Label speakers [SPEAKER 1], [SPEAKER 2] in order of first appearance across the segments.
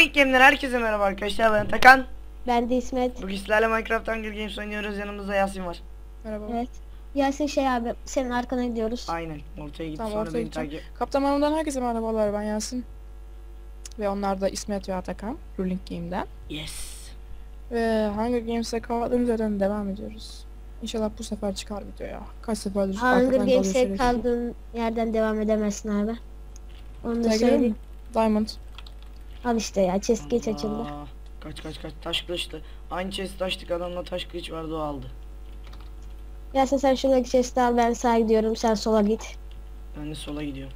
[SPEAKER 1] Ruling Game'den herkese merhaba arkadaşlar, ben Takan.
[SPEAKER 2] Ben de İsmet.
[SPEAKER 1] Bugün sizlerle Minecraft Hunger Games oynuyoruz, yanımızda Yasin var.
[SPEAKER 3] Merhaba.
[SPEAKER 2] Evet. Yasin abi senin arkana gidiyoruz.
[SPEAKER 1] Aynen, ortaya git
[SPEAKER 3] Tamam,
[SPEAKER 1] sonra
[SPEAKER 3] ortaya
[SPEAKER 1] beni
[SPEAKER 3] gideceğim.
[SPEAKER 1] takip.
[SPEAKER 3] Kaptan Marmara'dan herkese merhabalar, ben Yasin. Ve onlar da İsmet ve Atakan, Ruling Game'den.
[SPEAKER 1] Yes.
[SPEAKER 3] Ve Hunger Games'e kaldığımız yerden devam ediyoruz. İnşallah bu sefer çıkar video ya. Kaç seferdir
[SPEAKER 2] Hunger
[SPEAKER 3] arkadan kalıyor
[SPEAKER 2] Games'e
[SPEAKER 3] şerefsiz.
[SPEAKER 2] kaldığın yerden devam edemezsin abi. Onu da
[SPEAKER 3] Tekrar
[SPEAKER 2] söyleyeyim.
[SPEAKER 3] mi? Diamond.
[SPEAKER 2] Al işte ya, chest geç
[SPEAKER 1] Allah.
[SPEAKER 2] açıldı.
[SPEAKER 1] Kaç taş kılıçtı. Aynı chest açtık, adamla taş kılıç vardı, o aldı.
[SPEAKER 2] Yasin sen şuradaki chest'i al, ben sağa gidiyorum, sen sola git.
[SPEAKER 1] Ben de sola gidiyorum.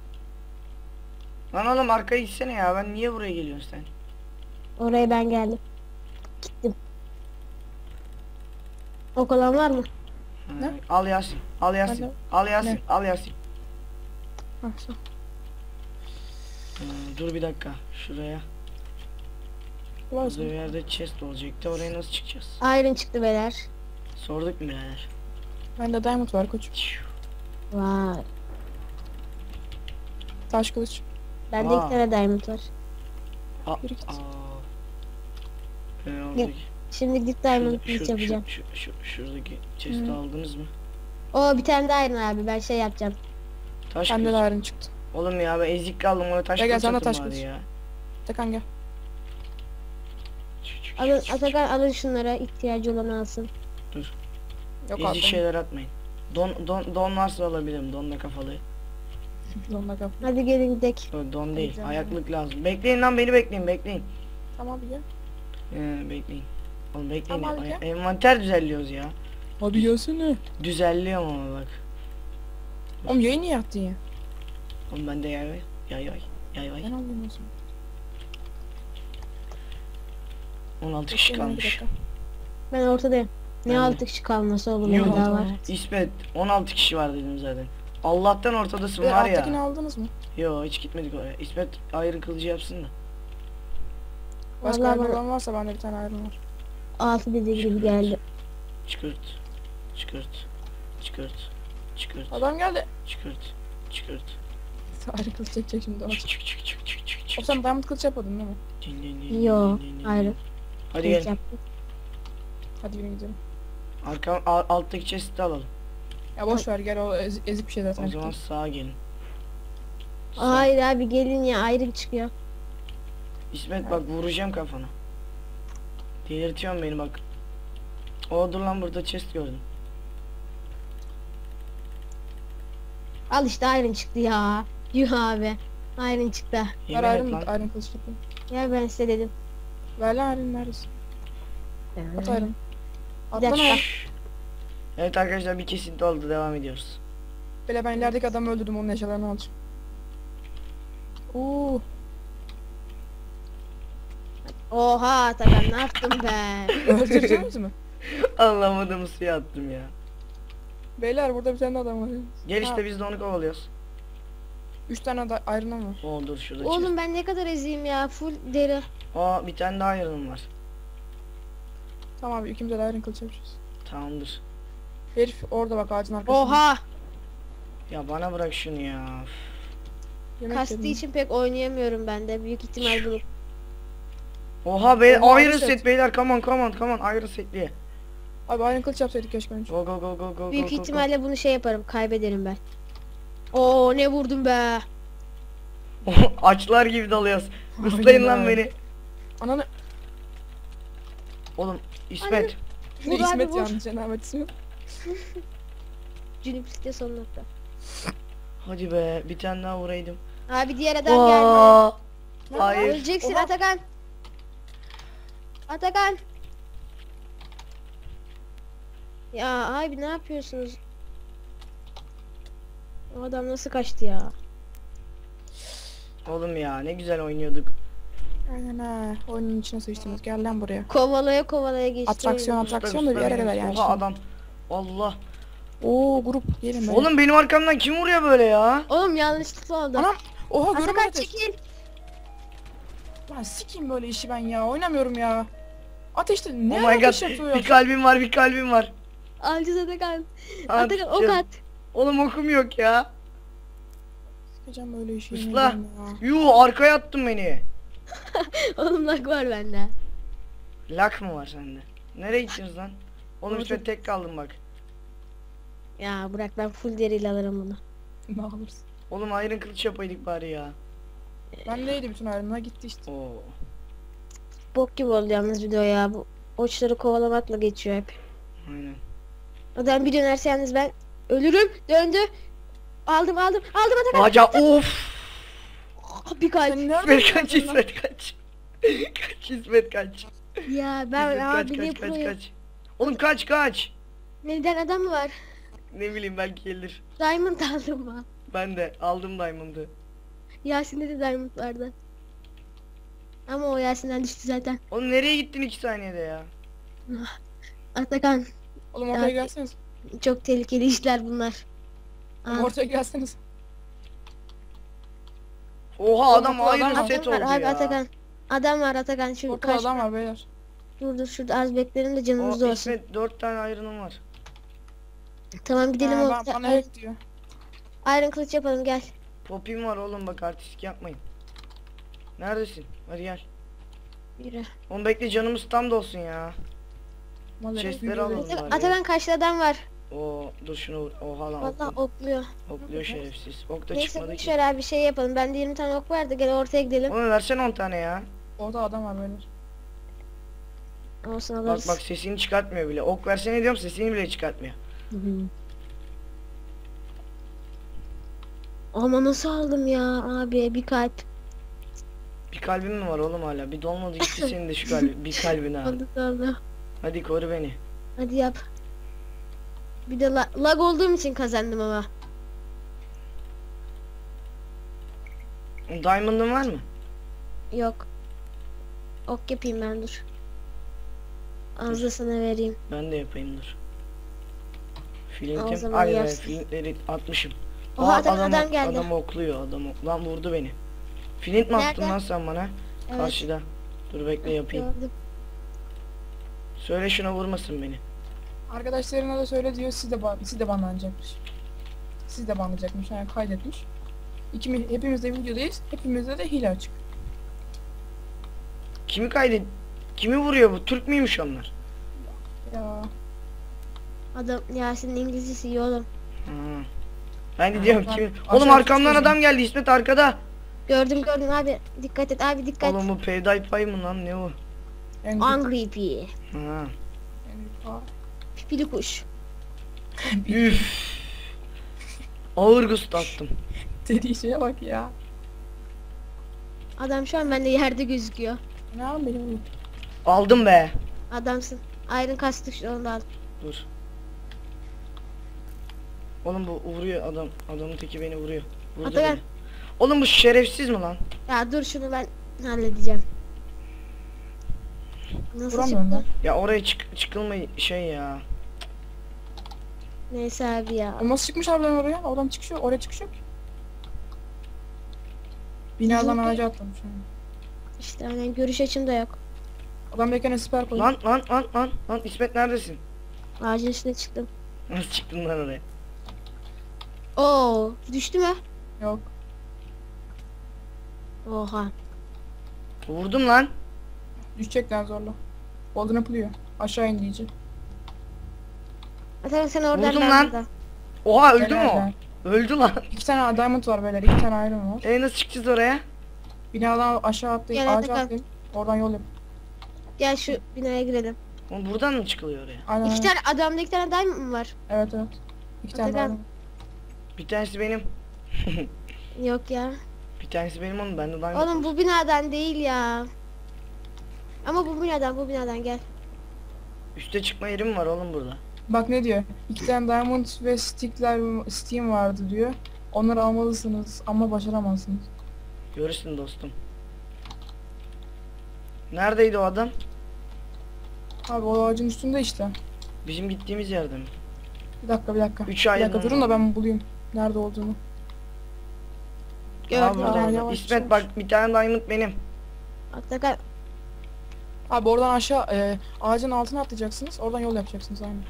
[SPEAKER 1] Lan oğlum arkaya gitsene ya, ben niye buraya geliyorsun sen?
[SPEAKER 2] Oraya ben geldim. Gittim. Ok olan var mı?
[SPEAKER 1] Ha,
[SPEAKER 3] Ne?
[SPEAKER 1] al Yasin, al Yasin,
[SPEAKER 3] Ne?
[SPEAKER 1] al Yasin,
[SPEAKER 3] Ne?
[SPEAKER 1] al Yasin.
[SPEAKER 3] Hah, so.
[SPEAKER 1] Dur bir dakika, şuraya.
[SPEAKER 3] Var
[SPEAKER 1] Burada bir
[SPEAKER 3] mı?
[SPEAKER 1] yerde chest olacaktı, oraya nasıl çıkacağız?
[SPEAKER 2] Iron çıktı beyler.
[SPEAKER 1] Sorduk mu birader?
[SPEAKER 3] Bende Diamond var koçum.
[SPEAKER 2] Vay.
[SPEAKER 3] Taş kılıç.
[SPEAKER 2] Bende
[SPEAKER 1] Aa.
[SPEAKER 2] 2 tane diamond var.
[SPEAKER 3] Yürü git.
[SPEAKER 1] Oradaki.
[SPEAKER 2] Şimdi gidip diamond kılıç yapacağım.
[SPEAKER 1] Şuradaki chest'i aldınız mı?
[SPEAKER 2] Oo, bir tane daha iron abi, ben şey yapacağım.
[SPEAKER 1] Taş
[SPEAKER 3] Bende
[SPEAKER 1] kılıç.
[SPEAKER 3] de Iron çıktı.
[SPEAKER 1] Oğlum ya ben ezik kaldım, ona taş
[SPEAKER 3] Gel,
[SPEAKER 1] kılıç
[SPEAKER 3] sana
[SPEAKER 1] atın
[SPEAKER 3] taş
[SPEAKER 1] bari
[SPEAKER 3] kılıç.
[SPEAKER 1] ya.
[SPEAKER 3] Atakan gel.
[SPEAKER 2] Alın Atakan, alın şunlara, ihtiyacı olan alsın.
[SPEAKER 3] Yok
[SPEAKER 1] Ezik
[SPEAKER 3] abi.
[SPEAKER 1] şeyler atmayın. Don varsa alabilirim, donla kafalı.
[SPEAKER 3] Donla kap.
[SPEAKER 2] Hadi gelin gidelim.
[SPEAKER 1] Don değil,
[SPEAKER 3] Canım.
[SPEAKER 1] ayaklık lazım. Bekleyin lan, beni bekleyin.
[SPEAKER 3] Tamam bir gel.
[SPEAKER 1] Bekleyin. Oğlum bekleyin,
[SPEAKER 3] Tamam, gel.
[SPEAKER 1] envanter düzenliyoruz ya.
[SPEAKER 3] Hadi gelsene.
[SPEAKER 1] Düzenliyorum ama bak.
[SPEAKER 3] Oğlum yayın niye attın ya?
[SPEAKER 1] Oğlum bende yay var.
[SPEAKER 3] Ben alayım o zaman.
[SPEAKER 1] 16 kişi
[SPEAKER 3] Bekleyin bir
[SPEAKER 1] kalmış.
[SPEAKER 3] dakika.
[SPEAKER 2] Ben ortadayım. Ne
[SPEAKER 1] Ben de.
[SPEAKER 2] 6 kişi kalması oğlum,
[SPEAKER 1] Yok.
[SPEAKER 2] bir daha var.
[SPEAKER 1] İsmet 16 kişi var dedim zaten. Allah'tan ortadasın
[SPEAKER 3] Ve
[SPEAKER 1] var
[SPEAKER 3] alttakini
[SPEAKER 1] ya.
[SPEAKER 3] aldınız mı?
[SPEAKER 1] Yo, hiç gitmedik oraya. İsmet ayrı kılıcı yapsın da.
[SPEAKER 3] Başka
[SPEAKER 2] Vallahi
[SPEAKER 3] iron
[SPEAKER 2] bana
[SPEAKER 3] olan varsa bende bir tane iron var.
[SPEAKER 2] 6 dediği gibi geldi.
[SPEAKER 1] Çıkırt.
[SPEAKER 3] Adam geldi.
[SPEAKER 1] Çıkırt.
[SPEAKER 3] Iron kılıç çekecek şimdi.
[SPEAKER 1] Çık.
[SPEAKER 3] O sen diamond kılıç yapmadın değil mi?
[SPEAKER 2] Yo, ayrı.
[SPEAKER 1] Hadi
[SPEAKER 2] Kılıç
[SPEAKER 1] gel.
[SPEAKER 2] yaptım.
[SPEAKER 3] Hadi yürü gidelim.
[SPEAKER 1] Alttaki chest'i alalım.
[SPEAKER 3] Ya boş ver, gel, o ezik bir şey zaten.
[SPEAKER 1] O zaman sağa gelin.
[SPEAKER 2] Hayır abi, gelin ya, ayrı çıkıyor.
[SPEAKER 1] İsmet bak, vuracağım kafana. Delirtiyorsun beni bak. Dur lan, burada chest gördüm.
[SPEAKER 2] Al işte, iron çıktı ya. Yuh abi. Iron çıktı.
[SPEAKER 1] Yemin
[SPEAKER 3] Ver
[SPEAKER 1] et
[SPEAKER 3] iron,
[SPEAKER 1] lan.
[SPEAKER 3] iron kılıç yapayım.
[SPEAKER 2] Ya ben size dedim.
[SPEAKER 3] Ver lan iron, neredesin? At iron. At
[SPEAKER 2] Bir
[SPEAKER 3] lan
[SPEAKER 2] dakika.
[SPEAKER 3] iron.
[SPEAKER 1] Evet arkadaşlar, bir kesinti oldu, devam ediyoruz.
[SPEAKER 3] Böyle ben ilerideki adamı öldürdüm, onun eşyalarını alacağım.
[SPEAKER 2] Oha Atakan, ne yaptın be?
[SPEAKER 3] Öldüreceğimiz mi?
[SPEAKER 1] Anlamadım, suya attım ya.
[SPEAKER 3] Beyler burada bir tane adam var.
[SPEAKER 1] Gel işte,
[SPEAKER 3] Ha.
[SPEAKER 1] biz de onu kovalıyoruz.
[SPEAKER 3] 3 tane da iron'ım var.
[SPEAKER 1] Dur şurada
[SPEAKER 2] Oğlum ben ne kadar eziyim ya, full deri.
[SPEAKER 1] chest. Bir tane daha yarım var.
[SPEAKER 3] Tamam abi, ikimize de iron kılıç yapacağız.
[SPEAKER 1] Tamamdır.
[SPEAKER 3] Herif orada bak, ağacın arkasında.
[SPEAKER 2] Oha!
[SPEAKER 1] Ya bana bırak şunu ya.
[SPEAKER 3] Yemek
[SPEAKER 2] Kastığı
[SPEAKER 3] yedim.
[SPEAKER 2] için pek oynayamıyorum ben de. Büyük ihtimal bunu.
[SPEAKER 1] Oha be,
[SPEAKER 3] Oha,
[SPEAKER 1] Iron
[SPEAKER 3] set.
[SPEAKER 1] set beyler, come on Iron setliye.
[SPEAKER 3] Abi iron kılıç yapsaydık keşke önce.
[SPEAKER 1] Go.
[SPEAKER 2] Büyük ihtimalle bunu şey yaparım, kaybederim ben. Oo, ne vurdum be?
[SPEAKER 1] Açlar gibi dalıyoruz. Islayın lan
[SPEAKER 3] Aynen.
[SPEAKER 1] beni.
[SPEAKER 3] Ananı.
[SPEAKER 1] Oğlum İsmet.
[SPEAKER 2] Vur abi,
[SPEAKER 3] İsmet
[SPEAKER 2] vur.
[SPEAKER 3] yanlış cenabet ismi.
[SPEAKER 2] Cünüplükte son nokta.
[SPEAKER 1] Hadi be, bir tane daha vuraydım.
[SPEAKER 2] Abi diğer adam geldi.
[SPEAKER 1] Hayır.
[SPEAKER 2] Öleceksin
[SPEAKER 3] Oha.
[SPEAKER 2] Atakan. Atakan. Ya abi ne yapıyorsunuz? O adam nasıl kaçtı ya?
[SPEAKER 1] Oğlum ya, ne güzel oynuyorduk.
[SPEAKER 3] Aynen ha. Oyunun içine sıçtınız. Gel lan buraya.
[SPEAKER 2] Kovalaya geçti.
[SPEAKER 3] Atraksiyon da bir yere kadar yani.
[SPEAKER 1] Oha adam. Allah.
[SPEAKER 3] Oo grup gelin böyle.
[SPEAKER 1] Oğlum benim arkamdan kim vuruyor böyle ya?
[SPEAKER 2] Oğlum yanlışlıkla oldu.
[SPEAKER 3] Anam. Oha
[SPEAKER 2] Atakan
[SPEAKER 3] görmedim.
[SPEAKER 2] çekil.
[SPEAKER 3] Lan sikeyim böyle işi ben ya. Oynamıyorum ya. Ateşte ne
[SPEAKER 1] Oh my
[SPEAKER 3] ateş
[SPEAKER 1] god.
[SPEAKER 3] yapıyor ya?
[SPEAKER 1] Bir kalbim var.
[SPEAKER 2] Alacağız Atakan.
[SPEAKER 1] At,
[SPEAKER 2] Atakan ok
[SPEAKER 1] canım.
[SPEAKER 2] at.
[SPEAKER 1] Oğlum okum yok ya.
[SPEAKER 3] Sikeceğim böyle işi.
[SPEAKER 1] Isla.
[SPEAKER 3] yemin ederim ya.
[SPEAKER 1] Yuh, arkaya attın beni.
[SPEAKER 2] Oğlum lag var bende.
[SPEAKER 1] Lak mı var sende? Nereye gittiniz lan? Oğlum
[SPEAKER 2] Orada.
[SPEAKER 1] İsmet tek kaldım bak.
[SPEAKER 2] Ya bırak ben full deriyle alırım bunu.
[SPEAKER 3] Ne alırsın?
[SPEAKER 1] Oğlum iron kılıç yapaydık bari ya.
[SPEAKER 3] Ben neydi bütün ayrımına gitti işte.
[SPEAKER 1] Oo.
[SPEAKER 2] Bok gibi oldu yalnız video ya. Bu oçları kovalamakla geçiyor hep.
[SPEAKER 1] Aynen.
[SPEAKER 2] Adam bir dönerse yalnız ben ölürüm. Döndü. Aldım Atakan.
[SPEAKER 1] Aca of.
[SPEAKER 2] Bir kalp.
[SPEAKER 3] Sen nereden
[SPEAKER 1] İsmet kaç
[SPEAKER 3] geldin lan?
[SPEAKER 1] İsmet kaç. Kaç İsmet kaç.
[SPEAKER 2] Ya ben
[SPEAKER 1] İsmet kaç
[SPEAKER 2] abi ne
[SPEAKER 1] kaç kaç
[SPEAKER 2] proyum.
[SPEAKER 1] kaç. Oğlum kaç.
[SPEAKER 2] Neden adam mı var?
[SPEAKER 1] Ne bileyim belki gelir.
[SPEAKER 2] Diamond aldım ben.
[SPEAKER 1] Ben de aldım diamond'ı.
[SPEAKER 2] Yasin'de de diamond vardı. Ama o Yasin'den düştü zaten.
[SPEAKER 1] Oğlum nereye gittin 2 saniyede ya?
[SPEAKER 2] Atakan
[SPEAKER 3] Oğlum ortaya
[SPEAKER 2] Ya-
[SPEAKER 3] gelseniz.
[SPEAKER 2] çok tehlikeli işler bunlar.
[SPEAKER 3] Oğlum
[SPEAKER 2] Aa,
[SPEAKER 3] ortaya gelseniz.
[SPEAKER 1] Oha
[SPEAKER 3] Oğlum,
[SPEAKER 1] adam
[SPEAKER 3] ortada
[SPEAKER 1] iron
[SPEAKER 3] adam var.
[SPEAKER 1] set
[SPEAKER 2] adam
[SPEAKER 1] oldu
[SPEAKER 2] var abi
[SPEAKER 1] ya.
[SPEAKER 2] Atakan. Adam var Atakan şu
[SPEAKER 3] Ortada
[SPEAKER 2] karşı.
[SPEAKER 3] adam var beyler.
[SPEAKER 2] Dur şurada az beklerim de canımız
[SPEAKER 1] O
[SPEAKER 2] olsun.
[SPEAKER 1] İsmet 4 tane iron'um var.
[SPEAKER 2] Tamam gidelim
[SPEAKER 3] Bana hack diyor.
[SPEAKER 2] Iron kılıç yapalım gel.
[SPEAKER 1] Popim var oğlum bak artistik yapmayın. Neredesin? Hadi gel.
[SPEAKER 2] Yürü.
[SPEAKER 1] Oğlum bekle canımız tam da olsun ya. Chestleri alalım bari.
[SPEAKER 2] Atakan karşıda adam var.
[SPEAKER 1] Oo dur şunu vur. Oha lan
[SPEAKER 2] Vallahi
[SPEAKER 1] oklu.
[SPEAKER 2] okluyor.
[SPEAKER 1] Okluyor şerefsiz. Ok da
[SPEAKER 2] Neyse
[SPEAKER 1] çıkmadı
[SPEAKER 2] boş
[SPEAKER 1] ki.
[SPEAKER 2] ver abi şey yapalım. Bende 20 tane ok vardı. Gel ortaya gidelim.
[SPEAKER 1] Oğlum versene 10 tane ya.
[SPEAKER 3] Orada adam var beyler.
[SPEAKER 2] Olsun
[SPEAKER 1] Bak
[SPEAKER 2] alırız.
[SPEAKER 1] bak sesini çıkartmıyor bile. Ok versene diyorum sesini bile çıkartmıyor.
[SPEAKER 2] Hı hı. Ama nasıl aldım ya abi bir kalp.
[SPEAKER 1] Bir kalbin mi var oğlum hala? Bir dolmadı gitti senin de şu kalbi. Bir kalbin ha.
[SPEAKER 2] Oldu.
[SPEAKER 1] Hadi koru beni.
[SPEAKER 2] Hadi yap. Bir de lag olduğum için kazandım ama.
[SPEAKER 1] Diamond'ın var mı?
[SPEAKER 2] Yok. Ok yapayım ben dur. Az da sana vereyim.
[SPEAKER 1] Ben de yapayım dur.
[SPEAKER 2] O
[SPEAKER 1] Flintim.
[SPEAKER 2] zaman
[SPEAKER 1] Ay be
[SPEAKER 2] yersin.
[SPEAKER 1] flintleri atmışım.
[SPEAKER 2] Oha
[SPEAKER 1] Aa,
[SPEAKER 2] adam geldi.
[SPEAKER 1] Adam okluyor adam. Lan vurdu beni. Flint mi attın
[SPEAKER 2] Nerede?
[SPEAKER 1] lan sen bana?
[SPEAKER 2] Evet.
[SPEAKER 1] Karşıda. Dur bekle yapayım.
[SPEAKER 2] Gördüm.
[SPEAKER 1] Söyle şuna vurmasın beni.
[SPEAKER 3] Arkadaşlarına da söyle diyor siz de banlanacakmış. Siz de banlanacakmış yani kaydetmiş. Hepimiz de videodayız. Hepimizde de hile açık.
[SPEAKER 1] Kimi kaydet? Kimi vuruyor bu? Türk müymüş onlar?
[SPEAKER 3] Ya.
[SPEAKER 2] Adam Yasin'in İngilizcesi iyi oğlum.
[SPEAKER 1] Ha. Ben de
[SPEAKER 3] Ha,
[SPEAKER 1] diyorum
[SPEAKER 3] ben
[SPEAKER 1] kimi?
[SPEAKER 3] aşağı
[SPEAKER 1] Oğlum arkamdan
[SPEAKER 3] düştüm.
[SPEAKER 1] adam geldi İsmet arkada.
[SPEAKER 2] Gördüm abi. Dikkat et abi dikkat.
[SPEAKER 1] Oğlum bu PewDiePie mı lan ne o?
[SPEAKER 3] En
[SPEAKER 2] Angry Bee.
[SPEAKER 1] Ha.
[SPEAKER 2] Pipili kuş.
[SPEAKER 1] Üf. Ağır gust attım.
[SPEAKER 3] dediği şeye bak ya.
[SPEAKER 2] Adam şu an bende yerde gözüküyor.
[SPEAKER 3] Ne yapayım benim oğlum?
[SPEAKER 1] Aldım be.
[SPEAKER 2] Adamsın. Iron kastık şu onu da al.
[SPEAKER 1] Dur. Oğlum bu vuruyor adam. Adamın teki beni vuruyor. Vurdu
[SPEAKER 2] Atakan.
[SPEAKER 1] beni. Oğlum bu şerefsiz mi lan?
[SPEAKER 2] Ya dur şunu ben halledeceğim. Nasıl
[SPEAKER 3] Vuramıyorum
[SPEAKER 2] çıktı?
[SPEAKER 1] Ya oraya çıkılma şey ya.
[SPEAKER 2] Neyse abi ya.
[SPEAKER 3] O nasıl çıkmış harbiden oraya? Oradan çıkış yok. Oraya çıkış yok ki. Binadan
[SPEAKER 2] Bizim-
[SPEAKER 3] ağaca atlamış yani.
[SPEAKER 2] İşte hani görüş açım da yok.
[SPEAKER 3] Adam bekene siper koydu.
[SPEAKER 1] Lan İsmet neredesin?
[SPEAKER 2] Ağacın üstüne çıktım.
[SPEAKER 1] Nasıl çıktın lan oraya?
[SPEAKER 2] Oo, düştü mü?
[SPEAKER 3] Yok.
[SPEAKER 2] Oha.
[SPEAKER 1] Vurdum lan.
[SPEAKER 3] Düşecekler zorla. Golden yapılıyor. Aşağı in iyice.
[SPEAKER 2] Atakan sen oradan
[SPEAKER 1] Vurdum
[SPEAKER 2] ben
[SPEAKER 1] lan.
[SPEAKER 2] buradan.
[SPEAKER 1] Oha öldü mü
[SPEAKER 3] Helal
[SPEAKER 1] o?
[SPEAKER 3] be.
[SPEAKER 1] Öldü lan.
[SPEAKER 3] 2 tane diamond var beyler. 2 tane iron var.
[SPEAKER 1] Nasıl çıkacağız oraya?
[SPEAKER 3] Binadan aşağı atlayıp
[SPEAKER 2] Gel
[SPEAKER 3] ağaca
[SPEAKER 2] Atakan.
[SPEAKER 3] atlayıp oradan yol yap.
[SPEAKER 2] Gel şu binaya girelim.
[SPEAKER 1] Oğlum buradan mı çıkılıyor oraya?
[SPEAKER 3] Aynen.
[SPEAKER 2] İki
[SPEAKER 3] aynen.
[SPEAKER 2] tane adamda iki tane diamond mı var?
[SPEAKER 3] Evet evet. 2 tane
[SPEAKER 2] Atakan.
[SPEAKER 3] diamond.
[SPEAKER 1] Bir tanesi benim.
[SPEAKER 2] Yok ya.
[SPEAKER 1] Bir tanesi benim oğlum bende diamond.
[SPEAKER 2] Oğlum bu binadan değil ya. Ama bu binadan gel.
[SPEAKER 1] Üste çıkma yerim var oğlum burada.
[SPEAKER 3] Bak ne diyor? 2 tane diamond ve steam vardı diyor. Onları almalısınız ama başaramazsınız.
[SPEAKER 1] Görürsün dostum. Neredeydi o adam?
[SPEAKER 3] Abi o ağacın üstünde işte.
[SPEAKER 1] Bizim gittiğimiz yerde mi?
[SPEAKER 3] Bir dakika.
[SPEAKER 1] 3
[SPEAKER 3] Bir
[SPEAKER 1] ay
[SPEAKER 3] dakika durun da ben bulayım. Nerede olduğunu.
[SPEAKER 2] Gördüm.
[SPEAKER 1] burada.
[SPEAKER 3] Aa, yavaş,
[SPEAKER 1] İsmet
[SPEAKER 3] yavaş.
[SPEAKER 1] bak bir tane diamond benim.
[SPEAKER 2] Atakan
[SPEAKER 3] Abi oradan aşağı ağacın altına atlayacaksınız. Oradan yol yapacaksınız aynı.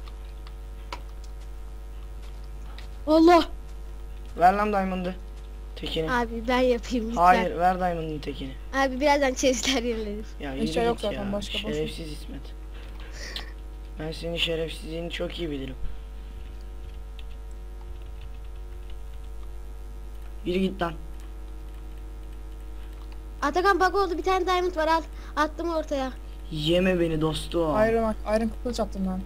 [SPEAKER 2] Allah.
[SPEAKER 1] Ver lan diamond'ı. Tekini.
[SPEAKER 2] Abi ben yapayım lütfen.
[SPEAKER 1] Hayır, ver Diamond'ın tekini.
[SPEAKER 2] Abi birazdan chestler yenilenir.
[SPEAKER 1] Ya
[SPEAKER 3] Eşya
[SPEAKER 1] yürü
[SPEAKER 3] yok
[SPEAKER 1] git
[SPEAKER 3] zaten,
[SPEAKER 1] ya.
[SPEAKER 3] başka boş ver.
[SPEAKER 1] Şerefsiz İsmet. Ben senin şerefsizliğini çok iyi bilirim. Yürü git lan.
[SPEAKER 2] Atakan bak oldu, bir tane diamond var, al. Attım ortaya.
[SPEAKER 1] Yeme beni dostum.
[SPEAKER 3] Iron kılıç attım ben.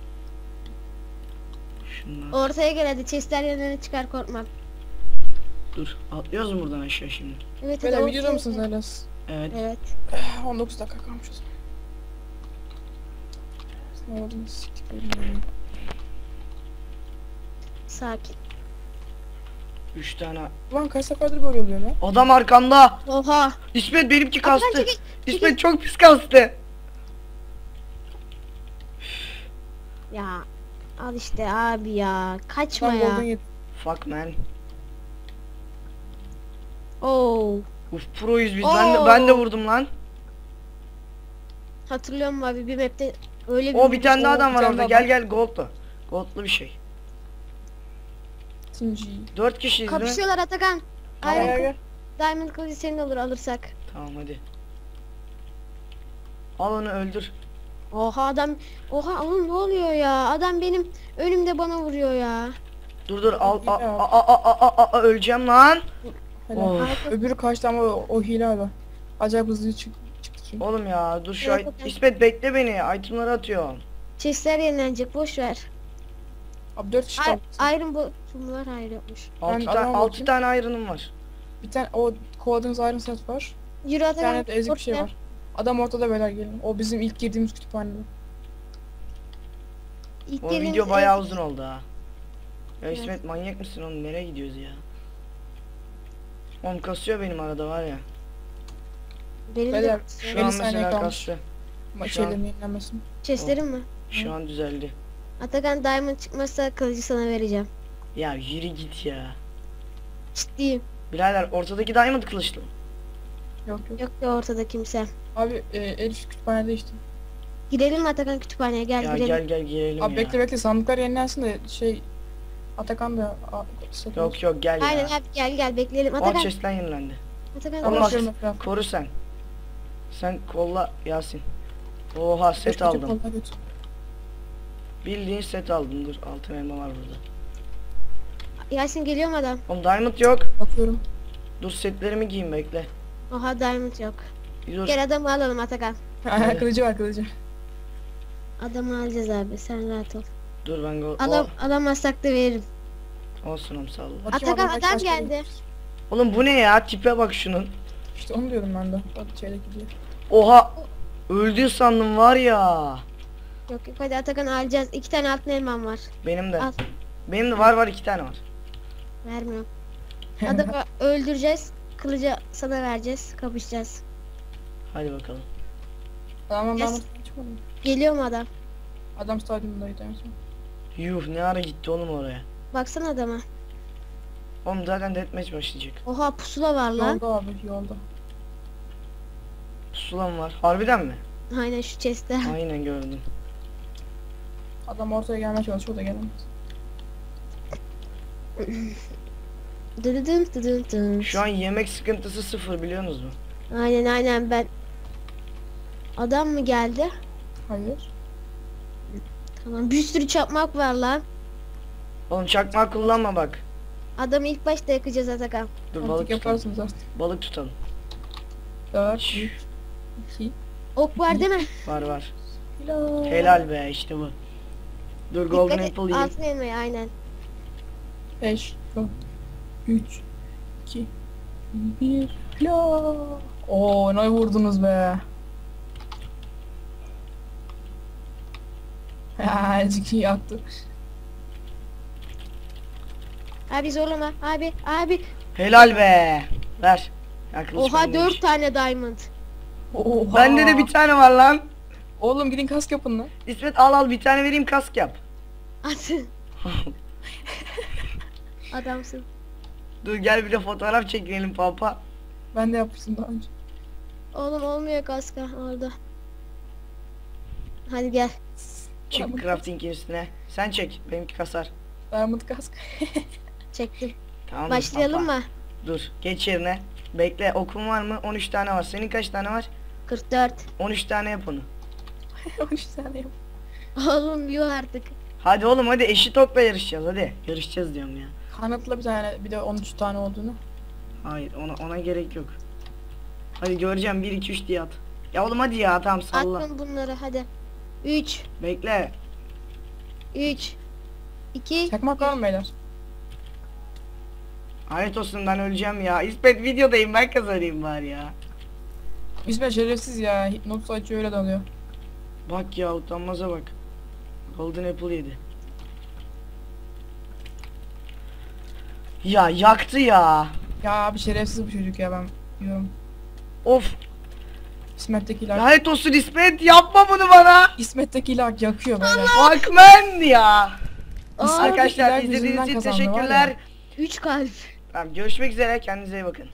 [SPEAKER 1] Şundan.
[SPEAKER 2] Ortaya gel hadi, chestler yerine çıkar, korkma.
[SPEAKER 1] Dur. Atlıyoruz mu buradan aşağı şimdi?
[SPEAKER 2] Evet hadi
[SPEAKER 3] Böyle
[SPEAKER 2] ortaya
[SPEAKER 3] videoda mısınız
[SPEAKER 2] gel.
[SPEAKER 1] Evet.
[SPEAKER 2] Evet.
[SPEAKER 3] 19 dakika kalmış o zaman. Ne oldu? Siktik benim.
[SPEAKER 2] Sakin.
[SPEAKER 1] 3 tane.
[SPEAKER 3] Ulan kaç seferdir böyle oluyor lan?
[SPEAKER 1] Adam arkanda.
[SPEAKER 2] Oha.
[SPEAKER 1] İsmet benimki
[SPEAKER 2] Atakan
[SPEAKER 1] kastı.
[SPEAKER 2] çekil,
[SPEAKER 1] İsmet çok pis kastı.
[SPEAKER 2] Ya al işte abi ya. Kaçma
[SPEAKER 3] Ben golden
[SPEAKER 2] ya.
[SPEAKER 3] yedim.
[SPEAKER 1] Fuck man.
[SPEAKER 2] Oo.
[SPEAKER 1] Uf proyuz biz. Ben de vurdum lan.
[SPEAKER 2] Hatırlıyorum abi, bir map'te öyle
[SPEAKER 1] O bir tane daha
[SPEAKER 3] Oo,
[SPEAKER 1] adam
[SPEAKER 3] bir
[SPEAKER 1] var
[SPEAKER 3] tane
[SPEAKER 1] orada.
[SPEAKER 3] daha
[SPEAKER 1] Gel gel goldlu. Goldlu bir şey.
[SPEAKER 3] Team G.
[SPEAKER 1] 4 kişiyiz değil mi?
[SPEAKER 2] kapışıyorlar Atakan.
[SPEAKER 3] Gel
[SPEAKER 2] Iron
[SPEAKER 3] gel gel.
[SPEAKER 2] Diamond kılıcı senin olur alırsak.
[SPEAKER 1] Tamam hadi. Al onu öldür.
[SPEAKER 2] Oha adam. Oha oğlum ne oluyor ya? Adam benim önümde bana vuruyor ya.
[SPEAKER 1] Dur al.
[SPEAKER 3] Ya.
[SPEAKER 1] Öleceğim lan.
[SPEAKER 3] Helal.
[SPEAKER 1] Of.
[SPEAKER 2] Arka-
[SPEAKER 3] Öbürü kaçtı ama o hile abi. Acayip hızlı çıktı çünkü.
[SPEAKER 1] Oğlum ya dur şu
[SPEAKER 2] Evet, evet.
[SPEAKER 1] İsmet bekle beni. Itemları atıyor.
[SPEAKER 2] Chestler yenilenecek, boş ver.
[SPEAKER 3] Abi 4 kişi kaldı.
[SPEAKER 2] Iron bu var, hayır yokmuş.
[SPEAKER 1] 6
[SPEAKER 3] adama
[SPEAKER 1] tane
[SPEAKER 3] bakayım.
[SPEAKER 1] iron'ım var.
[SPEAKER 3] Bir tane o kovaladığınız Iron set var.
[SPEAKER 2] Yürü
[SPEAKER 3] Bir
[SPEAKER 2] Atakan.
[SPEAKER 3] tane de ezik bir şey
[SPEAKER 2] ortaya.
[SPEAKER 3] var. Adam ortada beyler gelin. O bizim ilk girdiğimiz kütüphanede.
[SPEAKER 2] İlk
[SPEAKER 1] O
[SPEAKER 2] gelin-
[SPEAKER 1] video bayağı uzun oldu ha. Ya
[SPEAKER 2] Evet.
[SPEAKER 1] İsmet manyak mısın oğlum, nereye gidiyoruz ya? Oğlum kasıyor benim arada var ya.
[SPEAKER 2] Benim
[SPEAKER 3] Beyler,
[SPEAKER 2] de
[SPEAKER 1] Şu
[SPEAKER 3] 50
[SPEAKER 1] an
[SPEAKER 3] saniye
[SPEAKER 1] mesela
[SPEAKER 3] kalmış.
[SPEAKER 1] kastı.
[SPEAKER 3] Ama
[SPEAKER 1] Şu an-
[SPEAKER 3] şeylerin yenilenmesin.
[SPEAKER 2] chestlerim mi?
[SPEAKER 1] Şu an düzeldi.
[SPEAKER 2] Atakan diamond çıkmazsa kılıcı sana vereceğim.
[SPEAKER 1] Ya yürü git ya.
[SPEAKER 2] Ciddiyim.
[SPEAKER 1] Birader ortadaki diamond kılıçlı.
[SPEAKER 3] Yok yok.
[SPEAKER 2] Yok ya ortada kimse.
[SPEAKER 3] Abi Elif kütüphanede işte.
[SPEAKER 2] Gidelim mi Atakan kütüphaneye, gel
[SPEAKER 1] Ya
[SPEAKER 2] gidelim.
[SPEAKER 1] gel girelim
[SPEAKER 3] Abi
[SPEAKER 1] ya.
[SPEAKER 3] bekle sandıklar yenilensin de şey Atakan da set olsun.
[SPEAKER 1] Yok gel
[SPEAKER 2] Aynen
[SPEAKER 1] ya.
[SPEAKER 2] abi, gel bekleyelim.
[SPEAKER 1] O
[SPEAKER 2] Atakan.
[SPEAKER 1] chest'ten yenilendi.
[SPEAKER 2] Atakan.
[SPEAKER 1] Ama
[SPEAKER 3] Ama
[SPEAKER 1] bak,
[SPEAKER 3] şöyle mesela.
[SPEAKER 1] koru sen. Sen kolla Yasin. Oha set aldım. Bildiğin set aldım. Dur altın elma var burada.
[SPEAKER 2] Yasin geliyor mu adam?
[SPEAKER 1] Oğlum diamond yok.
[SPEAKER 3] Bakıyorum.
[SPEAKER 1] Dur setlerimi giyeyim bekle.
[SPEAKER 2] Oha diamond yok.
[SPEAKER 1] Bir dur.
[SPEAKER 2] Gel adamı alalım Atakan.
[SPEAKER 1] Evet.
[SPEAKER 3] Kılıcı var kılıcı.
[SPEAKER 2] Adamı alacağız abi, sen rahat ol.
[SPEAKER 1] Dur ben go.
[SPEAKER 2] Alamazsak da veririm.
[SPEAKER 1] Olsun oğlum sağ ol.
[SPEAKER 3] Bakayım
[SPEAKER 2] Atakan
[SPEAKER 3] kaç
[SPEAKER 2] adam
[SPEAKER 3] kaç
[SPEAKER 2] geldi.
[SPEAKER 3] kaldı.
[SPEAKER 1] Oğlum bu ne ya? Tipe bak şunun.
[SPEAKER 3] İşte onu diyordum ben de. O şeydeki diye.
[SPEAKER 1] Oha. Öldü sandım var ya.
[SPEAKER 2] Yok hadi Atakan alacağız. 2 tane altın elmam var.
[SPEAKER 1] Benim de.
[SPEAKER 2] Al.
[SPEAKER 1] Benim de var 2 tane var.
[SPEAKER 2] Vermiyorum. Adamı öldüreceğiz. Kılıcı sana vereceğiz. Kapışacağız.
[SPEAKER 1] Hadi bakalım.
[SPEAKER 3] Adamdan
[SPEAKER 2] Yes.
[SPEAKER 3] diamond çıkmadı mı?
[SPEAKER 2] Geliyor mu adam?
[SPEAKER 3] Adam stadyumundaydı en son.
[SPEAKER 1] Yuh ne ara gitti oğlum oraya.
[SPEAKER 2] Baksana adama.
[SPEAKER 1] Oğlum zaten deathmatch başlayacak.
[SPEAKER 2] Oha pusula var lan.
[SPEAKER 3] Yolda abi yolda.
[SPEAKER 1] Pusula mı var? Harbiden mi?
[SPEAKER 2] Aynen şu chest'te.
[SPEAKER 1] Aynen gördüm.
[SPEAKER 3] Adam ortaya gelmeye çalışıyor da gelemez.
[SPEAKER 2] Dıdıdım dıdım dım.
[SPEAKER 1] Şu an yemek sıkıntısı 0 biliyorsunuz mu?
[SPEAKER 2] Aynen ben. Adam mı geldi?
[SPEAKER 3] Hayır.
[SPEAKER 2] Tamam, bir sürü çakmak var lan.
[SPEAKER 1] Oğlum çakma kullanma bak.
[SPEAKER 2] Adamı ilk başta yakacağız Atakan.
[SPEAKER 1] Dur
[SPEAKER 3] Artık
[SPEAKER 1] balık tutalım.
[SPEAKER 3] yaparsınız artık.
[SPEAKER 1] Balık tutalım.
[SPEAKER 3] 4,
[SPEAKER 1] Şşş.
[SPEAKER 3] 3, 2,
[SPEAKER 2] Ok var değil mi?
[SPEAKER 1] Var.
[SPEAKER 3] helal.
[SPEAKER 1] Helal be işte bu. Dur golden
[SPEAKER 2] Dikkat et,
[SPEAKER 1] apple yiyeyim.
[SPEAKER 2] altın elmayı aynen.
[SPEAKER 3] 5, 4, 3, 2, 1, helal. Oo ne vurdunuz be. Ha, Ciki yaktı.
[SPEAKER 2] Abi zorlama. Abi.
[SPEAKER 1] Helal be. Ver. Ya kılıç
[SPEAKER 2] Oha
[SPEAKER 1] bendeymiş.
[SPEAKER 2] 4 tane diamond.
[SPEAKER 3] Oha.
[SPEAKER 1] Bende de bir tane var lan.
[SPEAKER 3] Oğlum gidin kask yapın lan.
[SPEAKER 1] İsmet al bir tane vereyim kask yap.
[SPEAKER 2] At. Adamsın.
[SPEAKER 1] Dur gel bir de fotoğraf çekelim papa.
[SPEAKER 3] Ben de yapmıştım daha önce.
[SPEAKER 2] Oğlum olmuyor kaska orada. Hadi gel.
[SPEAKER 1] Çık
[SPEAKER 3] Tamam.
[SPEAKER 1] crafting'in üstüne. Sen çek benimki kasar.
[SPEAKER 3] Diamond kask.
[SPEAKER 2] Çektim.
[SPEAKER 1] Tamam.
[SPEAKER 2] Başlayalım mı?
[SPEAKER 1] Dur geç yerine. Bekle, okum var mı? 13 tane var. Senin kaç tane var?
[SPEAKER 2] 44.
[SPEAKER 1] 13 tane yap onu.
[SPEAKER 3] 13 tane yap.
[SPEAKER 2] Oğlum yuh artık.
[SPEAKER 1] Hadi oğlum hadi, eşit okla yarışacağız hadi. Yarışacağız diyorum ya.
[SPEAKER 3] Kanıtla bir tane, bir de 13 tane olduğunu.
[SPEAKER 1] Hayır, ona gerek yok. Hadi göreceğim, 1 2 3 diye at. Ya oğlum hadi ya, tamam salla.
[SPEAKER 2] Attım bunları hadi. 3
[SPEAKER 1] Bekle.
[SPEAKER 2] 3 2
[SPEAKER 3] Çakmak var mı beyler?
[SPEAKER 1] Hayret olsun, ben öleceğim ya. İsmet videodayım, ben kazanayım bari ya.
[SPEAKER 3] İsmet şerefsiz ya. Hipnoz açıyor öyle dalıyor.
[SPEAKER 1] Bak ya, utanmaza bak. Golden Apple yedi. Ya yaktı ya.
[SPEAKER 3] Ya bir şerefsiz bu çocuk ya, ben diyorum.
[SPEAKER 1] Of.
[SPEAKER 3] İsmet'teki lag.
[SPEAKER 1] Lanet olsun İsmet, yapma bunu bana.
[SPEAKER 3] İsmet'teki lag yakıyor beyler.
[SPEAKER 1] Bak ben ya.
[SPEAKER 2] Aa,
[SPEAKER 1] Arkadaşlar
[SPEAKER 3] bizler
[SPEAKER 1] izlediğiniz
[SPEAKER 3] yüzünden
[SPEAKER 1] için
[SPEAKER 3] kazandı var ya.
[SPEAKER 1] teşekkürler.
[SPEAKER 2] 3 kalp.
[SPEAKER 1] Tamam, görüşmek üzere, kendinize iyi bakın.